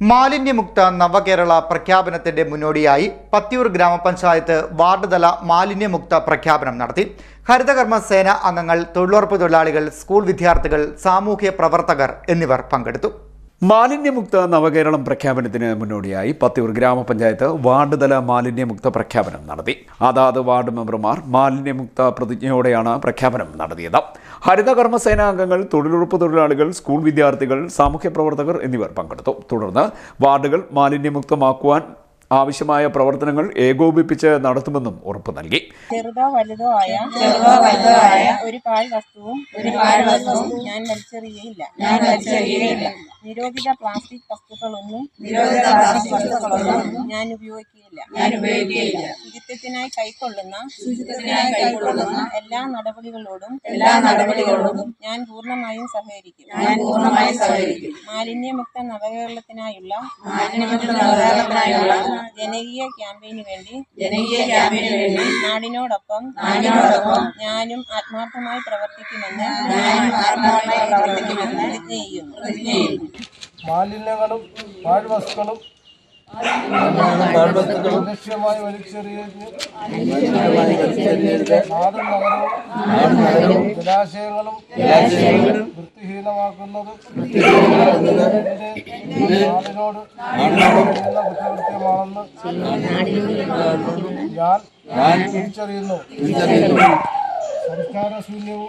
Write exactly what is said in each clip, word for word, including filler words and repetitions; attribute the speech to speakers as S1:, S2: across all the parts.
S1: മാലിന്യമുക്ത നവകേരള പ്രഖ്യാപനത്തിന്റെ മുന്നോടിയായി പത്തിയൂർ ഗ്രാമപഞ്ചായത്ത് വാർഡ് തല മാലിന്യമുക്ത പ്രഖ്യാപനം നടത്തി. ഹരിതകർമ്മ സേന അംഗങ്ങൾ, തൊഴിലുറപ്പ് തൊഴിലാളികൾ, സ്കൂൾ വിദ്യാർത്ഥികൾ, സാമൂഹ്യ പ്രവർത്തകർ എന്നിവർ പങ്കെടുത്തു.
S2: മാലിന്യമുക്ത നവകേരളം പ്രഖ്യാപനത്തിന് മുന്നോടിയായി പത്തിയൂർ ഗ്രാമപഞ്ചായത്ത് വാർഡ് തല മാലിന്യമുക്ത പ്രഖ്യാപനം നടത്തി. അതാത് വാർഡ് മെമ്പർമാർ മാലിന്യമുക്ത പ്രതിജ്ഞയോടെയാണ് പ്രഖ്യാപനം നടത്തിയത്. ഹരിതകർമ്മ സേനാ അംഗങ്ങൾ, തൊഴിലുറപ്പ് തൊഴിലാളികൾ, സ്കൂൾ വിദ്യാർത്ഥികൾ, സാമൂഹ്യ പ്രവർത്തകർ എന്നിവർ പങ്കെടുത്തു. തുടർന്ന് വാർഡുകൾ മാലിന്യമുക്തമാക്കുവാൻ ആവശ്യമായ പ്രവർത്തനങ്ങൾ ഏകോപിപ്പിച്ച് നടത്തുമെന്നും ഉറപ്പു നൽകി.
S3: ചെറുതോ വലുതോ ആയ ചെറുതോ വലുതോ ആയ ഒരു പാഴ് വസ്തുവും ഒരു പാഴ് വസ്തുവും ഞാൻ വലിച്ചെറിയയില്ല ഞാൻ വലിച്ചെറിയയില്ല നിരോധിത പ്ലാസ്റ്റിക് വസ്തുക്കളൊന്നും നിരോധിത പ്ലാസ്റ്റിക് വസ്തുക്കളൊന്നും ഞാൻ ഉപയോഗിക്കുകയില്ല ഞാൻ ഉപയോഗിക്കുകയില്ല ശുചിത്വത്തിനായി കൈക്കൊള്ളുന്ന ശുചിത്വത്തിനായി കൈക്കൊള്ളുന്ന എല്ലാ നടപടികളോടും എല്ലാ നടപടികളോടും ഞാൻ പൂർണ്ണമായും സഹകരിക്കും ഞാൻ പൂർണ്ണമായും സഹകരിക്കും മാലിന്യമുക്ത നവകേരളത്തിനായുള്ള മാലിന്യമുക്ത നവകേരളത്തിനായുള്ള ജനകീയ ക്യാമ്പയിന് വേണ്ടി ജനകീയ ക്യാമ്പയിന് വേണ്ടി നാടിനോടൊപ്പം നാടിനോടൊപ്പം ഞാനും ആത്മാർത്ഥമായി പ്രവർത്തിക്കുമെന്ന് ഞാനും ആത്മാർത്ഥമായി പ്രവർത്തിക്കുമെന്ന് പ്രതിജ്ഞ ചെയ്യുന്നു പ്രതിജ്ഞ ചെയ്യുന്നു
S4: മാലിന്യങ്ങളും പാഴ്വസ്തുക്കളും ലക്ഷ്യമായി വലിച്ചെറിയരുത്. നാടും നഗരവും ജലാശയങ്ങളും വൃത്തിഹീനമാക്കുന്നത് നാടിനോട് കുറ്റകൃത്യമാണെന്ന് ഞാൻ തിരിച്ചറിയുന്നു. സംസ്കാരശൂന്യവും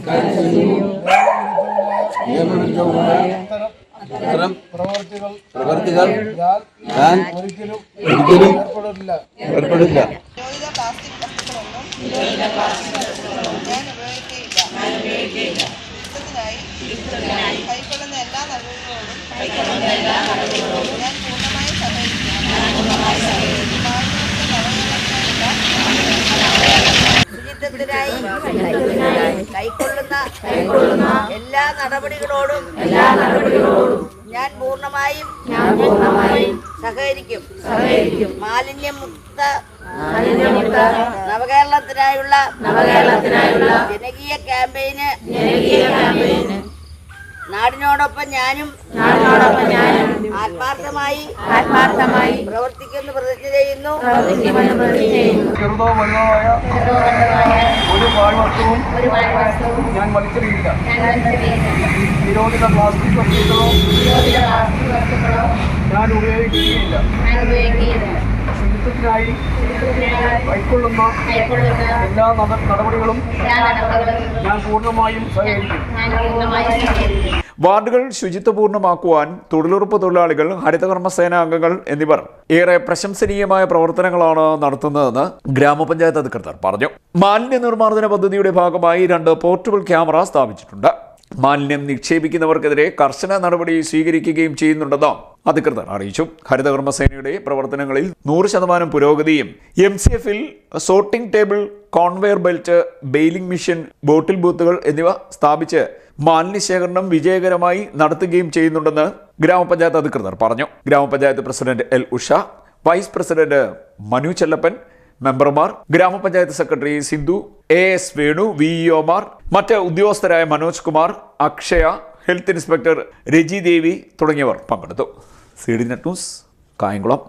S4: നിയമവിരുദ്ധവുമായ ഇത്തരം പ്രവർത്തികൾ പ്രവർത്തികൾ ഞാൻ ഒരിക്കലും ഒരിക്കലും ഏർപ്പെടില്ല ഏർപ്പെടില്ല
S3: പ്ലാസ്റ്റിക് വസ്തുക്കളൊന്നും ഞാൻ ഉപയോഗിക്കുകയില്ല ശുചിത്വത്തിനായി കൈക്കൊള്ളുന്ന എല്ലാ നടപടികളോടും ഞാൻ പൂർണ്ണമായി സഹകരിക്കും ശുചിത്വത്തിനായി കൈക്കൊള്ളുന്ന എല്ലാ നടപടികളോടും എല്ലാ നടപടികളോടും ഞാൻ പൂർണ്ണമായും ഞാൻ പൂർണ്ണമായും സഹകരിക്കും സഹകരിക്കും മാലിന്യമുക്ത മാലിന്യമുക്ത നവകേരളത്തിനായുള്ള നവകേരളത്തിനായുള്ള ജനകീയ ക്യാമ്പയിന് ജനകീയ ക്യാമ്പയിന് നാടിനോടൊപ്പം ഞാനും നാടിനോടൊപ്പം ഞാനും ആത്മാർത്ഥമായി ആത്മാർത്ഥമായി പ്രവർത്തിക്കുമെന്ന് പ്രതിജ്ഞ ചെയ്യുന്നു പ്രവർത്തിക്കുമെന്ന് പ്രതിജ്ഞ ചെയ്യുന്നു
S4: ചെറുതോ വലുതോ ആയ ഒരു പാഴ്വസ്തുവും ഞാൻ വലിച്ചെറിയില്ല. നിരോധിത പ്ലാസ്റ്റിക് വസ്തുക്കളോ ഞാൻ ഉപയോഗിക്കുകയില്ല. ശുചിത്വത്തിനായി കൈക്കൊള്ളുന്ന എല്ലാ നടപടികളും ഞാൻ പൂർണ്ണമായും സഹകരിക്കും.
S2: വാർഡുകൾ ശുചിത്വപൂർണ്ണമാക്കുവാൻ തൊഴിലുറപ്പ് തൊഴിലാളികൾ, ഹരിതകർമ്മ സേനാ അംഗങ്ങൾ എന്നിവർ ഏറെ പ്രശംസനീയമായ പ്രവർത്തനങ്ങളാണ് നടത്തുന്നതെന്ന് ഗ്രാമപഞ്ചായത്ത് അധികൃതർ പറഞ്ഞു. മാലിന്യ നിർമ്മാർജ്ജന പദ്ധതിയുടെ ഭാഗമായി രണ്ട് പോർട്ടബിൾ ക്യാമറ സ്ഥാപിച്ചിട്ടുണ്ട്. മാലിന്യം നിക്ഷേപിക്കുന്നവർക്കെതിരെ കർശന നടപടി സ്വീകരിക്കുകയും ചെയ്യുന്നുണ്ടെന്ന് അധികൃതർ അറിയിച്ചു. ഹരിതകർമ്മ സേനയുടെ പ്രവർത്തനങ്ങളിൽ നൂറ് ശതമാനം പുരോഗതിയും എം സി എഫിൽ sorting table, conveyor belt, baling machine, bottle ബൂത്തുകൾ എന്നിവ സ്ഥാപിച്ച് മാലിന്യ ശേഖരണം വിജയകരമായി നടത്തുകയും ചെയ്യുന്നുണ്ടെന്ന് ഗ്രാമപഞ്ചായത്ത് അധികൃതർ പറഞ്ഞു. ഗ്രാമപഞ്ചായത്ത് president L Usha, vice president Manu Chellappan, മെമ്പർമാർ, ഗ്രാമപഞ്ചായത്ത് secretary Sindhu, A S Venu, V ഇഒമാർ, മറ്റ് ഉദ്യോഗസ്ഥരായ മനോജ് കുമാർ, അക്ഷയ, ഹെൽത്ത് ഇൻസ്പെക്ടർ രജി ദേവി തുടങ്ങിയവർ പങ്കെടുത്തു. C D net news, Kayamkulam.